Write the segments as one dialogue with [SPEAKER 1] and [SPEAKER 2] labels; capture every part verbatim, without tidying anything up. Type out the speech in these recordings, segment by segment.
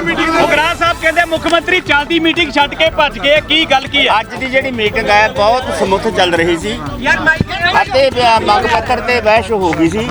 [SPEAKER 1] ਉਗਰਾ ਸਾਹਿਬ ਕਹਿੰਦੇ ਮੁੱਖ ਮੰਤਰੀ ਚੱਲਦੀ ਮੀਟਿੰਗ ਛੱਡ ਕੇ ਭੱਜ ਗਏ, ਕੀ ਗੱਲ ਕੀ ਹੈ?
[SPEAKER 2] ਅੱਜ ਦੀ ਜਿਹੜੀ ਮੀਟਿੰਗ ਹੈ ਬਹੁਤ ਸਮੁੱਥ ਚੱਲ ਰਹੀ ਸੀ ਅਤੇ ਮੰਗ ਪੱਤਰ ਤੇ ਬਹਿਸ ਹੋ ਗਈ ਸੀ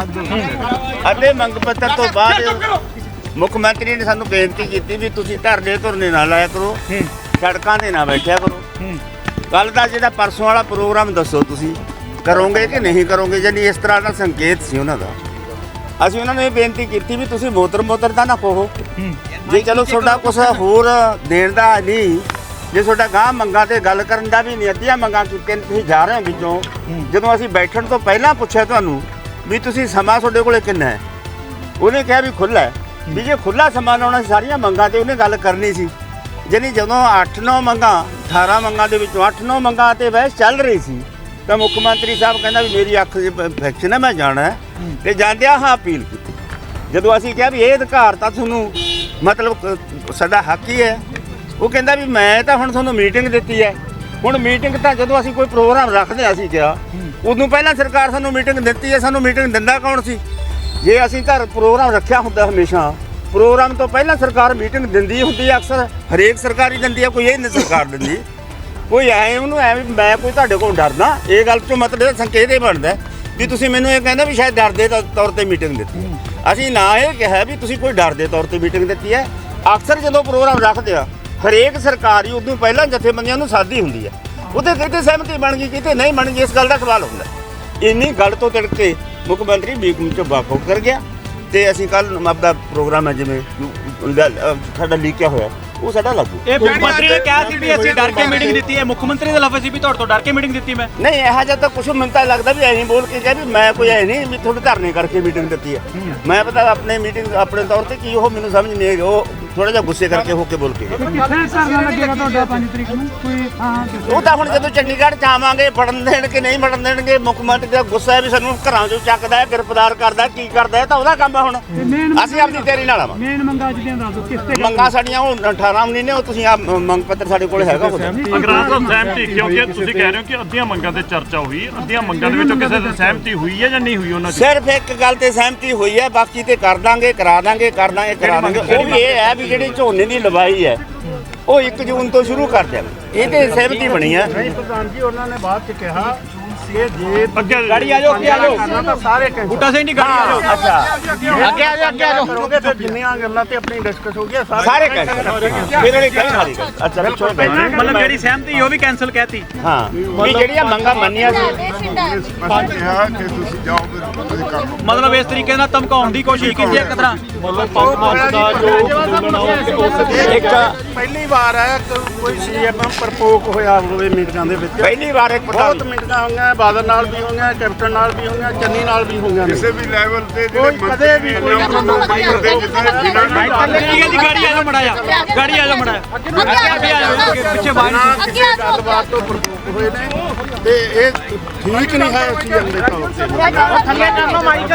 [SPEAKER 2] ਅਤੇ ਮੰਗ ਪੱਤਰ ਤੋਂ ਬਾਅਦ ਮੁੱਖ ਮੰਤਰੀ ਨੇ ਸਾਨੂੰ ਬੇਨਤੀ ਕੀਤੀ ਵੀ ਤੁਸੀਂ ਧਰਨੇ ਧੁਰਨੇ ਨਾ ਲਾਇਆ ਕਰੋ, ਸੜਕਾਂ 'ਤੇ ਨਾ ਬੈਠਿਆ ਕਰੋ। ਕੱਲ੍ਹ ਦਾ ਜਿਹੜਾ ਪਰਸੋਂ ਵਾਲਾ ਪ੍ਰੋਗਰਾਮ ਦੱਸੋ ਤੁਸੀਂ ਕਰੋਗੇ ਕਿ ਨਹੀਂ ਕਰੋਗੇ, ਜਾਨੀ ਇਸ ਤਰ੍ਹਾਂ ਦਾ ਸੰਕੇਤ ਸੀ ਉਹਨਾਂ ਦਾ। ਅਸੀਂ ਉਹਨਾਂ ਨੂੰ ਇਹ ਬੇਨਤੀ ਕੀਤੀ ਵੀ ਤੁਸੀਂ ਮੋਤਰ ਮੋਤਰ ਦਾ ਨਾ ਕਹੋ, ਜੇ ਚਲੋ ਤੁਹਾਡਾ ਕੁਛ ਹੋਰ ਦੇਣ ਦਾ ਨਹੀਂ, ਜੇ ਤੁਹਾਡਾ ਗਾਂਹ ਮੰਗਾਂ ਤੇ ਗੱਲ ਕਰਨ ਦਾ ਵੀ ਨਹੀਂ, ਅੱਧੀਆਂ ਮੰਗਾਂ ਕੀਤੀਆਂ ਤੁਸੀਂ ਜਾ ਰਹੇ ਹੋ ਵਿੱਚੋਂ। ਜਦੋਂ ਅਸੀਂ ਬੈਠਣ ਤੋਂ ਪਹਿਲਾਂ ਪੁੱਛਿਆ ਤੁਹਾਨੂੰ ਵੀ ਤੁਸੀਂ ਸਮਾਂ ਤੁਹਾਡੇ ਕੋਲੇ ਕਿੰਨਾ ਹੈ, ਉਹਨੇ ਕਿਹਾ ਵੀ ਖੁੱਲ੍ਹਾ ਹੈ, ਵੀ ਜੇ ਖੁੱਲ੍ਹਾ ਸਮਾਂ ਲਾਉਣਾ ਸੀ ਸਾਰੀਆਂ ਮੰਗਾਂ ਤੇ ਉਹਨੇ ਗੱਲ ਕਰਨੀ ਸੀ। ਜਾਨੀ ਜਦੋਂ ਅੱਠ ਨੌ ਮੰਗਾਂ ਅਠਾਰਾਂ ਮੰਗਾਂ ਦੇ ਵਿੱਚੋਂ ਅੱਠ ਨੌ ਮੰਗਾਂ ਤੇ ਬਹਿਸ ਚੱਲ ਰਹੀ ਸੀ ਤਾਂ ਮੁੱਖ ਮੰਤਰੀ ਸਾਹਿਬ ਕਹਿੰਦਾ ਵੀ ਮੇਰੀ ਅੱਖ 'ਚ ਇਨਫੈਕਸ਼ਨ ਹੈ, ਮੈਂ ਜਾਣਾ ਤੇ ਜਾਂਦਿਆਂ ਹਾਂ ਅਪੀਲ ਕੀਤੀ। ਜਦੋਂ ਅਸੀਂ ਕਿਹਾ ਵੀ ਇਹ ਅਧਿਕਾਰ ਤਾਂ ਤੁਹਾਨੂੰ ਮਤਲਬ ਸਾਡਾ ਹੱਕ ਹੀ ਹੈ, ਉਹ ਕਹਿੰਦਾ ਵੀ ਮੈਂ ਤਾਂ ਹੁਣ ਤੁਹਾਨੂੰ ਮੀਟਿੰਗ ਦਿੱਤੀ ਹੈ। ਹੁਣ ਮੀਟਿੰਗ ਤਾਂ ਜਦੋਂ ਅਸੀਂ ਕੋਈ ਪ੍ਰੋਗਰਾਮ ਰੱਖਦੇ ਹਾਂ ਅਸੀਂ ਕਿਹਾ ਉਦੋਂ ਪਹਿਲਾਂ ਸਰਕਾਰ ਸਾਨੂੰ ਮੀਟਿੰਗ ਦਿੱਤੀ ਹੈ, ਸਾਨੂੰ ਮੀਟਿੰਗ ਦਿੰਦਾ ਕੌਣ ਸੀ? ਜੇ ਅਸੀਂ ਘਰ ਪ੍ਰੋਗਰਾਮ ਰੱਖਿਆ ਹੁੰਦਾ ਹਮੇਸ਼ਾ ਪ੍ਰੋਗਰਾਮ ਤੋਂ ਪਹਿਲਾਂ ਸਰਕਾਰ ਮੀਟਿੰਗ ਦਿੰਦੀ ਹੁੰਦੀ ਹੈ, ਅਕਸਰ ਹਰੇਕ ਸਰਕਾਰੀ ਦਿੰਦੀ ਹੈ, ਕੋਈ ਇਹ ਨਹੀਂ ਸਰਕਾਰ ਦਿੰਦੀ। ਕੋਈ ਐ ਉਹਨੂੰ ਐ ਵੀ ਮੈਂ ਕੋਈ ਤੁਹਾਡੇ ਕੋਲ ਡਰਦਾ, ਇਹ ਗੱਲ ਤੋਂ ਮਤਲਬ ਸੰਕੇਤ ਇਹ ਬਣਦਾ ਵੀ ਤੁਸੀਂ ਮੈਨੂੰ ਇਹ ਕਹਿੰਦਾ ਵੀ ਸ਼ਾਇਦ ਡਰ ਦੇ ਤੌਰ ਤੇ ਮੀਟਿੰਗ ਦਿੱਤੀ। ਅਸੀਂ ਨਾ ਇਹ ਕਿਹਾ ਵੀ ਤੁਸੀਂ ਕੋਈ ਡਰ ਦੇ ਤੌਰ ਤੇ ਮੀਟਿੰਗ ਦਿੱਤੀ ਹੈ। ਅਕਸਰ ਜਦੋਂ ਪ੍ਰੋਗਰਾਮ ਰੱਖਦੇ ਆ ਹਰੇਕ ਸਰਕਾਰੀ ਉਦੋਂ ਪਹਿਲਾਂ ਜਥੇਬੰਦੀਆਂ ਨੂੰ ਸਾਦੀ ਹੁੰਦੀ ਹੈ, ਉਹਦੇ ਕਿਤੇ ਸਹਿਮਤੀ ਬਣ ਗਈ ਕਿਤੇ ਨਹੀਂ ਬਣ ਗਈ, ਇਸ ਗੱਲ ਦਾ ਸਵਾਲ ਹੁੰਦਾ। ਇੰਨੀ ਗੱਲ ਤੋਂ ਤਿੜਕ ਕੇ ਮੁੱਖ ਮੰਤਰੀ ਮੀਟਿੰਗ 'ਚੋਂ ਵਾਕਆਊਟ ਕਰ ਗਿਆ ਤੇ ਅਸੀਂ ਕੱਲ੍ਹ ਆਪਦਾ ਪ੍ਰੋਗਰਾਮ ਹੈ ਜਿਵੇਂ ਸਾਡਾ ਲੀਕਿਆ ਹੋਇਆ ਉਹ ਸਾਡਾ ਲਾਗੂ।
[SPEAKER 1] ਇਹ ਮੁੱਖ ਮੰਤਰੀ ਨੇ ਕਿਹਾ ਸੀ ਵੀ ਅਸੀਂ ਡਰ ਕੇ ਮੀਟਿੰਗ ਦਿੱਤੀ ਹੈ, ਮੁੱਖ ਮੰਤਰੀ ਦਾ ਲਫ਼ਜ਼ ਸੀ ਵੀ ਤੁਹਾਡੇ ਤੋਂ ਡਰ ਕੇ ਮੀਟਿੰਗ ਦਿੱਤੀ ਮੈਂ।
[SPEAKER 2] ਨਹੀਂ ਇਹੋ ਜਿਹਾ ਤਾਂ ਕੁਛ ਮੈਨੂੰ ਤਾਂ ਲੱਗਦਾ ਵੀ ਐਂ ਬੋਲ ਕੇ ਕਿਹਾ ਵੀ ਮੈਂ ਕੋਈ ਐ ਨਹੀਂ ਵੀ ਤੁਹਾਡੇ ਧਰਨੇ ਕਰਕੇ ਮੀਟਿੰਗ ਦਿੱਤੀ ਹੈ। ਮੈਂ ਪਤਾ ਆਪਣੇ ਮੀਟਿੰਗ ਆਪਣੇ ਤੌਰ ਤੇ ਕੀ ਉਹ ਮੈਨੂੰ ਸਮਝ ਨਹੀਂ ਆਈ, ਉਹ ਥੋੜਾ ਜਿਹਾ ਗੁੱਸੇ ਕਰਕੇ ਹੋ ਕੇ ਬੋਲ ਕੇ ਉਹ ਤਾਂ ਹੁਣ ਜਦੋਂ ਚੰਡੀਗੜ੍ਹ ਚ ਆਵਾਂਗੇ ਫੜਨ ਦੇਣ ਕਿ ਨਹੀਂ ਫੜਨ ਦੇਣਗੇ, ਮੁੱਖ ਮੰਤਰੀ ਦਾ ਗੁੱਸਾ ਹੈ ਵੀ ਸਾਨੂੰ ਘਰਾਂ ਚੋਂ ਚੱਕਦਾ ਹੈ, ਗ੍ਰਿਫਤਾਰ ਕਰਦਾ, ਕੀ ਕਰਦਾ ਹੈ, ਤਾਂ ਉਹਦਾ ਕੰਮ ਹੈ। ਹੁਣ ਅਸੀਂ ਆਪਣੀ ਤਿਆਰੀ ਨਾਲ ਆਵਾਂਗੇ। ਮੰਗਾਂ ਸਾਡੀਆਂ ਉਹ ਅਠਾਰਾਂ ਮਹੀਨੇ ਉਹ ਤੁਸੀਂ ਆ ਮੰਗ ਪੱਤਰ ਸਾਡੇ ਕੋਲ ਹੈਗਾ।
[SPEAKER 3] ਅਗਰਾਂ ਤੋਂ ਸਹਿਮਤੀ ਕਿਉਂਕਿ ਤੁਸੀਂ ਕਹਿ ਰਹੇ ਹੋ ਕਿ ਅੱਧੀਆਂ ਮੰਗਾਂ ਤੇ ਚਰਚਾ ਹੋਈ, ਅੱਧੀਆਂ ਮੰਗਾਂ ਦੇ ਵਿੱਚੋਂ ਕਿਸੇ ਦੀ ਸਹਿਮਤੀ ਹੋਈ ਹੈ ਜਾਂ ਨਹੀਂ ਹੋਈ? ਉਹਨਾਂ ਦੀ
[SPEAKER 2] ਸਿਰਫ ਇੱਕ ਗੱਲ ਤੇ ਸਹਿਮਤੀ ਹੋਈ ਹੈ, ਬਾਕੀ ਤੇ ਕਰ ਦਾਂਗੇ ਕਰਾ ਦਾਂਗੇ ਕਰ ਦਾਂਗੇ ਕਰਾ ਦਾਂਗੇ। ਉਹ ਵੀ ਇਹ ਹੈ ਵੀ ਜਿਹੜੀ ਝੋਨੇ ਦੀ ਲਵਾਈ ਹੈ ਉਹ ਇੱਕ ਜੂਨ ਤੋਂ ਸ਼ੁਰੂ ਕਰ ਦੇਵਾਂਗੇ, ਇਹ ਤੇ ਸਹਿਮਤੀ ਬਣੀ ਹੈ।
[SPEAKER 4] ਪ੍ਰਧਾਨ ਜੀ ਉਹਨਾਂ ਨੇ ਬਾਅਦ ਚ ਕਿਹਾ ਕਿ ਜੇ
[SPEAKER 3] ਅੱਗੇ
[SPEAKER 1] ਗਾੜੀ ਆ ਜਾਓ, ਅੱਗੇ ਆ ਜਾਓ,
[SPEAKER 4] ਤਾਂ ਸਾਰੇ
[SPEAKER 1] ਬੂਟਾ ਸਿੰਘ ਜੀ ਗਾੜੀ ਆ ਜਾਓ।
[SPEAKER 2] ਅੱਛਾ
[SPEAKER 4] ਅੱਗੇ ਆ ਜਾਓ, ਅੱਗੇ ਆ ਜਾਓ, ਫਿਰ ਜਿੰਨੀਆਂ ਗੱਲਾਂ ਤੇ ਆਪਣੀ ਡਿਸਕਸ ਹੋ ਗਿਆ
[SPEAKER 2] ਸਾਰੇ ਕੈਂਸਲ ਫਿਰ ਉਹਨੇ ਕਹੀ ਸਾਰੀ ਗੱਲ। ਅੱਛਾ ਪਿੱਛੋਂ
[SPEAKER 1] ਮਤਲਬ ਜਿਹੜੀ ਸਹਿਮਤੀ ਉਹ ਵੀ ਕੈਂਸਲ ਕਹਿਤੀ।
[SPEAKER 2] ਹਾਂ ਵੀ ਜਿਹੜੀਆਂ ਮੰਗਾਂ ਮੰਨੀਆਂ ਸੀ
[SPEAKER 5] ਕਿਹਾ ਕਿ ਤੁਸੀਂ ਜਾਓ ਤੁਸੀਂ ਕਰ ਲਓ।
[SPEAKER 1] ਮਤਲਬ ਇਸ ਤਰੀਕੇ ਨਾਲ ਧਮਕਾਉਣ ਦੀ ਕੋਸ਼ਿਸ਼ ਕੀਤੀ ਇੱਕ ਤਰ੍ਹਾਂ।
[SPEAKER 4] ਇੱਕ ਪਹਿਲੀ ਵਾਰ ਹੈ ਕੋਈ ਸੀਐਮ ਪ੍ਰਪੋਕ ਹੋਇਆ ਹੋਵੇ ਮੀਟਿੰਗਾਂ ਦੇ ਵਿੱਚ।
[SPEAKER 2] ਪਹਿਲੀ ਵਾਰ ਇੱਕ
[SPEAKER 4] ਬਹੁਤ ਮੀਟਿੰਗਾਂ ਹੋਈਆਂ, ਬਾਦਲ ਨਾਲ ਵੀ ਹੋਈਆਂ, ਕੈਪਟਨ ਨਾਲ ਵੀ ਹੋਈਆਂ, ਚੰਨੀ ਨਾਲ ਵੀ ਹੋਈਆਂ।
[SPEAKER 5] ਕਿਸੇ ਵੀ ਲੈਵਲ ਤੇ
[SPEAKER 4] ਕੋਈ ਕਦੇ ਵੀ ਕੋਈ
[SPEAKER 1] ਠੀਕ ਹੈ ਜੀ, ਗਾੜੀ ਆ ਜਾਓ ਮੜਾ ਜਾ, ਗਾੜੀ ਆ ਜਾਓ ਮੜਾ ਅੱਗੇ ਆ ਜਾਓ, ਪਿੱਛੇ ਬਾਹਰ
[SPEAKER 4] ਕਿਸੇ ਗੱਲਬਾਤ ਤੋਂ ਪ੍ਰਪੋਕ ਹੋਏ ਨੇ ਤੇ ਇਹ ਠੀਕ ਨਹੀਂ ਹੈ ਸੀਐਮ ਦੇ ਤੌਰ ਤੇ।
[SPEAKER 1] ਥੱਲੇ ਕਰ ਲਓ ਮਾਈਕ।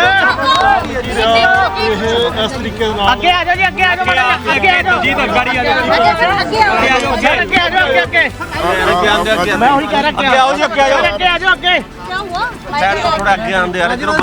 [SPEAKER 3] ਇਹ ਇਸ ਤਰੀਕੇ ਨਾਲ
[SPEAKER 1] ਅੱਗੇ ਆ ਜਾਓ ਜੀ, ਅੱਗੇ ਆ ਜਾਓ ਮੜਾ, ਅੱਗੇ ਆ ਜਾਓ ਜੀ, ਤਾਂ ਗਾੜੀ ਆ ਜਾਓ, ਅੱਗੇ ਆ ਜਾਓ, ਅੱਗੇ ਆ ਜਾਓ, ਅੱਗੇ ਅੱਗੇ ਮੈਂ ਉਹੀ ਕਹਿ ਰਿਹਾ, ਅੱਗੇ ਆਓ ਜੀ, ਅੱਗੇ ਆ ਜਾਓ, ਅੱਗੇ ਆ ਜਾਓ, ਅੱਗੇ
[SPEAKER 6] क्या हुआ?
[SPEAKER 3] ਥੋੜਾ ਅੱਗੇ ਆਂਦੇ ਯਾਰ ਜਦੋਂ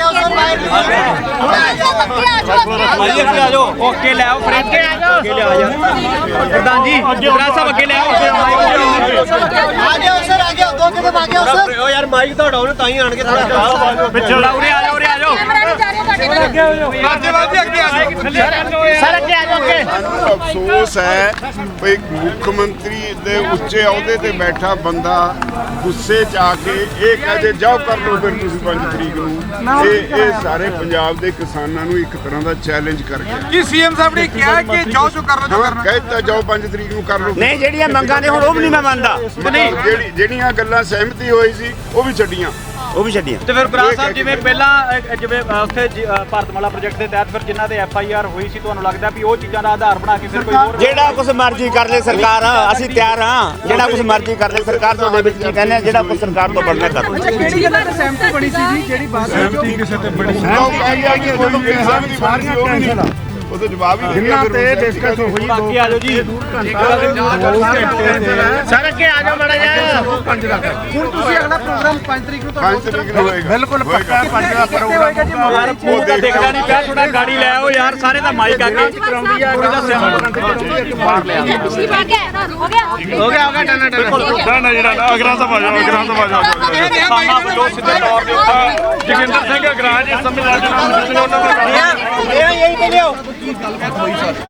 [SPEAKER 1] ਭਾਈ ਅੱਗੇ ਆ ਜਾਓ, ਓਕੇ ਲੈ ਆਓ, ਫਰੈਂਡ ਅੱਗੇ ਆ ਜਾਓ, ਅੱਗੇ ਲੈ ਆ ਜਾਓ ਪ੍ਰਧਾਨ ਜੀ, ਗੁਰਾ ਸਾਹਿਬ ਅੱਗੇ ਲੈ ਆਓ,
[SPEAKER 6] आ जाओ सर, आ जाओ, दो कदम आ जाओ सर।
[SPEAKER 3] ਓ ਯਾਰ ਮਾਈਕ ਤੁਹਾਡਾ ਉਹਨੇ ਤਾਂ ਹੀ ਆਣ ਕੇ ਥੋੜਾ
[SPEAKER 1] ਪਿੱਛੇ ਉਰੇ ਆ ਜਾਓ, ਉਰੇ ਆ ਜਾਓ,
[SPEAKER 6] कैमरा नहीं जा रहा है
[SPEAKER 1] ਅੱਗੇ ਆ ਜਾਓ, ਅੱਗੇ ਅੱਗੇ ਆ ਜਾਓ ਸਰ, ਅੱਗੇ ਆ ਜਾਓ, ਅੱਗੇ।
[SPEAKER 5] ਸਾਨੂੰ ਅਫਸੋਸ ਹੈ ਵੀ ਮੁੱਖ ਮੰਤਰੀ ਦੇ ਉੱਚੇ ਅਹੁਦੇ ਤੇ ਬੈਠਾ ਬੰਦਾ ਗੁੱਸੇ 'ਚ ਆ ਕੇ ਇਹ ਕਹਦੇ ਜਾਓ ਕਰ ਲਓ ਫਿਰ ਤੁਸੀਂ ਪੰਜ ਤਰੀਕ ਨੂੰ। ਇਹ ਇਹ ਸਾਰੇ ਪੰਜਾਬ ਦੇ ਕਿਸਾਨਾਂ ਨੂੰ ਇੱਕ ਤਰ੍ਹਾਂ ਦਾ ਚੈਲੰਜ ਕਰ ਗਿਆ।
[SPEAKER 7] ਕੀ ਸੀਐਮ ਸਾਹਿਬ ਨੇ ਕਿਹਾ ਕਿ ਜਾਓ ਜੋ ਕਰ ਲਓ ਜੋ ਕਰਨਾ।
[SPEAKER 5] ਕਹਿਤਾ ਜਾਓ ਪੰਜ ਤਰੀਕ ਨੂੰ ਕਰ ਲਓ।
[SPEAKER 2] ਨਹੀਂ ਜਿਹੜੀਆਂ ਮੰਗਾਂ ਨੇ ਹੁਣ ਉਹ ਵੀ ਨਹੀਂ ਮੈਂ ਮੰਨਦਾ,
[SPEAKER 5] ਮਤਲਬ ਜਿਹੜੀ ਜਿਹੜੀਆਂ ਗੱਲਾਂ ਸਹਿਮਤੀ ਹੋਈ ਸੀ ਉਹ ਵੀ ਛੱਡੀਆਂ
[SPEAKER 2] ਉਹ ਵੀ ਛੱਡੀਆਂ।
[SPEAKER 1] ਤੇ ਫਿਰ ਗੁਰਾ ਸਾਹਿਬ ਜਿਵੇਂ ਪਹਿਲਾਂ ਅ, ਜਿਵੇਂ ਅ, ਉੱਥੇ ਜ- ਅ, ਭਾਰਤਮਾਲਾ ਪ੍ਰੋਜੈਕਟ ਦੇ ਤਹਿਤ ਫਿਰ ਜਿਨ੍ਹਾਂ ਦੇ ਐਫ ਆਈ ਆਰ ਹੋਈ ਸੀ, ਤੁਹਾਨੂੰ ਲੱਗਦਾ ਵੀ ਉਹ ਚੀਜ਼ਾਂ ਦਾ ਆਧਾਰ ਬਣਾ ਕੇ ਫਿਰ ਕੋਈ ਹੋਰ
[SPEAKER 2] ਜਿਹੜਾ ਕੁਛ ਮਰਜ਼ੀ ਕਰ ਲੈ ਸਰਕਾਰ, ਅਸੀਂ ਤਿਆਰ ਹਾਂ। ਜਿਹੜਾ ਕੁਛ ਮਰਜ਼ੀ ਕਰ ਲੈ ਸਰਕਾਰ, ਤੁਹਾਡੇ ਵਿੱਚ ਕੀ ਕਹਿੰਦੇ ਆ, ਜਿਹੜਾ ਕੁਛ ਸਰਕਾਰ ਤੋਂ ਬਣਨਾ ਕਰ ਲਓ।
[SPEAKER 7] ਕਿਹੜੀ ਗੱਲਾਂ ਤੇ ਸਹਿਮਤੀ ਬਣੀ ਸੀ ਜੀ, ਜਿਹੜੀ ਬਾਤ
[SPEAKER 5] ਸਹਿਮਤੀ ਕਿਸੇ ਤੇ ਬੜੀ ਲੋਕ ਕਹਿੰਦੇ ਆ ਕਿ ਜਦੋਂ ਕਿਸੇ ਦੀ ਬਣੀ ਸੀ ਉਹ ਵੀ ਨਹੀਂ ਉਹ ਤਾਂ ਜਵਾਬ ਹੀ
[SPEAKER 4] ਜਿੰਨਾ ਤੇ ਡਿਸਕਸ ਹੋਈ ਦੋ
[SPEAKER 1] ਅੱਗੇ ਆ ਜਾਓ ਜੀ
[SPEAKER 4] ਸਰ ਅੱਗੇ ਆ ਜਾਓ ਮਾੜਾ ਜਿਹਾ
[SPEAKER 7] ਹੁਣ ਤੁਸੀਂ ਅਗਲਾ ਪ੍ਰੋਗਰਾਮ ਪੰਜ ਤਰੀਕ ਨੂੰ
[SPEAKER 5] ਪੰਜ ਤਰੀਕ ਨੂੰ ਹੋਏਗਾ
[SPEAKER 4] ਬਿਲਕੁਲ ਪੱਕਾ ਪੰਜ ਦਾ ਪ੍ਰੋਗਰਾਮ
[SPEAKER 1] ਯਾਰ ਮੂੰਹ ਤਾਂ ਦੇਖਦਾ ਨਹੀਂ ਪਿਆ ਥੋੜਾ ਗਾੜੀ ਲੈ ਆਓ ਯਾਰ ਸਾਰੇ ਦਾ ਮਾਈਕ ਆ ਕੇ
[SPEAKER 4] ਕਰਾਉਂਦੀ ਆ
[SPEAKER 1] ਥੋੜਾ ਸਿਆਣਾ
[SPEAKER 6] ਪਿਛਲੀ ਵਾਰ ਗਿਆ ਹੋ ਗਿਆ
[SPEAKER 4] ਹੋ ਗਿਆ ਹੋ ਗਿਆ ਟਨਾ ਟਨਾ
[SPEAKER 3] ਨਾ ਨਾ ਜਿਹੜਾ ਨਾ ਅਗਰਾ ਸਭਾ ਜਾਓ ਅਗਰਾ ਸਭਾ ਜਾਓ
[SPEAKER 1] ਸਾਨਾ ਵੱਲੋਂ ਸਿੱਧੇ ਤੌਰ ਦੇ ਉੱਤੇ
[SPEAKER 3] ਜਗਿੰਦਰ ਸਿੰਘ ਅਗਰਾਜ ਇਸ ਸਮੇਂ ਰਾਜਨਾਮਾ ਉਹਨਾਂ ਦਾ
[SPEAKER 1] ਇਹ ਇਹੀ ਤੇ ਲਿਓ